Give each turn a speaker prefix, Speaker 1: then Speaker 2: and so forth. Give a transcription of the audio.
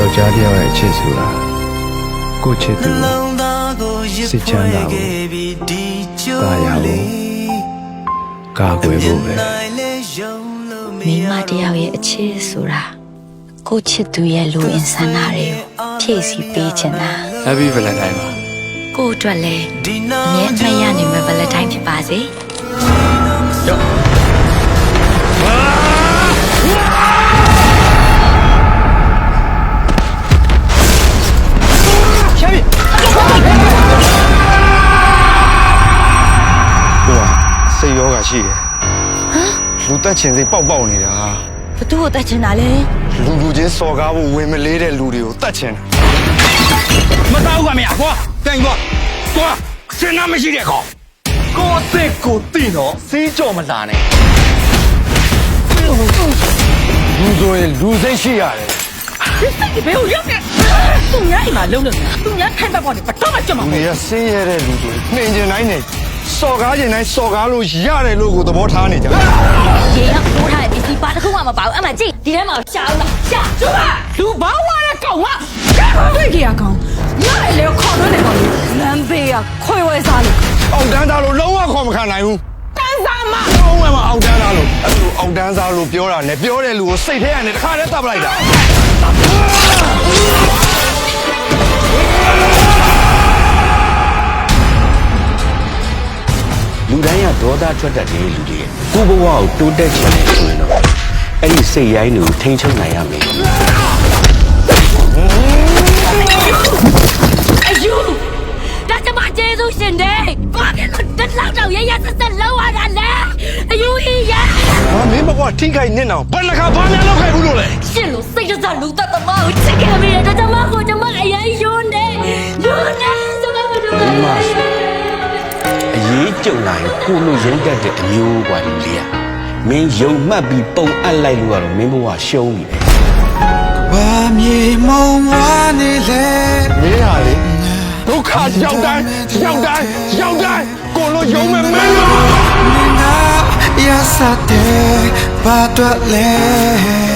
Speaker 1: ယောက်ျားတစ်ယောက်ရဲ့အချစ်ဆိုတာကိုချစ်သူစိတ်ချမ်းသာဖို့ကာရဖို့ကာကွယ်ဖို့ပဲ
Speaker 2: မိမတယောက်ရဲ့အချစ်ဆိုတာကိုချစ်သူရဲ့လူအင်ဆန္ဒတွေကိုဖြည့်ဆည်းပေးချင်တာ
Speaker 1: Happy Valentine ပါ
Speaker 2: ကိုအတွက်လည်းအမြဲအမှတ်ရနိုင်မယ့် Valentine ဖြစ်ပါစေ
Speaker 1: ယောစိတ်ရောဂါရှိတယ်လူတက်ချင်စိတ်ပေါက်နေတာ
Speaker 2: ဘသူ့ကိုတက်ချင်တာလဲ
Speaker 1: လူချင်းစော်ကားဖို့ဝင်မလေးတဲ့လူတွေကိုတက်ချင်တာ
Speaker 3: မတောက်ကမရကွာတိုင်ကွာသွားစဉ်းစားမရှိတဲ့ကောင်ကိုအသက်ကိုသိတော့စီးကြော်မလာနဲ့
Speaker 1: လူဆိုရင်လူစိတ်ရှိရတယ်
Speaker 4: ဒီဘယ်ကိုရောက်နေသူများအိမ်မှာလုံးလို့သူများထိုင်ပတ်ပေါ်နေဘာတော့မှကြွမှာမဟုတ်
Speaker 1: ဘူးနေရဆင်းရဲတဲ့လူတွေနှင်ကျင်တိုင်းနဲ့စော်ကားကျင်တိုင်းစော်ကားလို့ရတယ်လို့ကိုသဘောထားနေကြ
Speaker 2: ရေရောက်ပိုးထားတဲ့ပစ္စည်းပါတစ်ခုမှမပါဘူးအမှကြည့်ဒီထဲမှာရှာအောင်လားရှာ
Speaker 4: ကျမလူဘာဝါတဲ့ကောင်ကတွေ့ကြရကောင်ညလေခေါ်တော့နေကောင်လမ်းဘေးကခွေဝဲစားလို့
Speaker 1: အောက်တန်းသားလို့လုံးဝခေါ်မခံနိုင်ဘူး
Speaker 4: တန်းစားမ
Speaker 1: လုံးဝမအောက်တန်းသားလို့အဲ့လိုအောက်တန်းသားလို့ပြောတာနဲ့ပြောတဲ့လူကိုစိတ်ထဲကနေတခါတည်းတပ်ပလိုက်တာ
Speaker 3: လူတိုင်းကဒေါသထွက်တတ်တဲ့လူတွေကိုဘဝကိုတိုးတက်ချင်တယ်ဆိုရင်တော့အဲ့ဒီစိတ်ရိုင်းတွေကိုထိန်းချုပ်နိုင်ရမယ်
Speaker 2: အယူဒါကျမကျေးဇူးရှင်တယ်ဘာဖြစ်လို့တက်လောက်တော့ရရဆက်ဆက်လောက်ရတာလဲအယူကြီးရ
Speaker 1: မင်းဘကွာထိခိုက်နေတော့ဘယ်နှခါဘာများလောက်ခိုက်ဘူးလို့လဲ
Speaker 2: ရှင်လို့စိတ်ကြလူသက်သမားကိုချစ်ခဲ့မိတယ်ဒါကျမကိုကျမအရင်ယွန်းတယ်ကျမမတို့
Speaker 3: အရေးကြုံလာရင်ကိုလိုရင်းတတ်တဲ့အမျိုးกว่าလူလေးอ่ะမင်းယုံမှတ်ပြီးပုံအပ်လိုက်လို့ကတော့မင်းဘဝရှုံးပြီပဲ
Speaker 1: ဘာမြေမုံဝါနေလေမင်းဟာလေဒုက္ခရောက်တိုင်းကိုလိုယုံမဲ့မင်း
Speaker 5: ရစတဲ့ဘာတော့လဲ